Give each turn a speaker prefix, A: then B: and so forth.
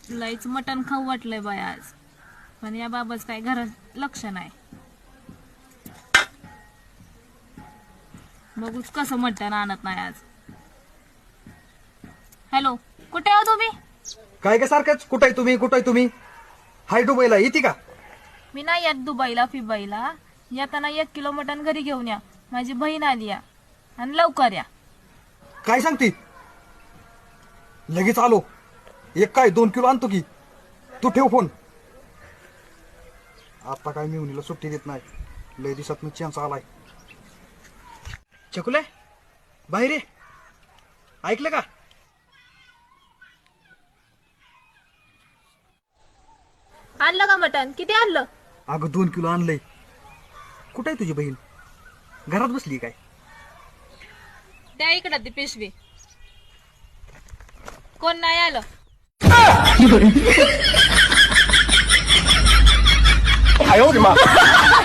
A: लईच मटण खाऊ वाटलंय बाय आज, पण या बाबाच काय घरात लक्ष नाही. बघूच कसं मटण आणत नाही आज. हॅलो, कुठे आहो तुम्ही?
B: काय काय सारखंच, कुठं आहे तुम्ही कुठं आहे तुम्ही? हाय दुबईला येते का?
A: मी नाही येत दुबईला फिबाईला. येताना 1 किलो मटण घरी घेऊन या, माझी बहीण आली या, आणि लवकर या.
B: काय सांगते? लगेच आलो. 1 काय 2 किलो आणतो की. तू ठेव फोन. आता काय मिळून सुट्टी देत नाही. लय दिवसात चान्स आलाय. चकुले बाहेर ये. ऐकलं का?
A: आणलं का मटण? किती आणलं?
B: अगं 2 किलो आणलंय. कुठं आहे तुझी बहीण? घरात बसली काय?
A: त्या इकडं ती पिशवी. कोण नाही आलं?
B: आयो रे मा.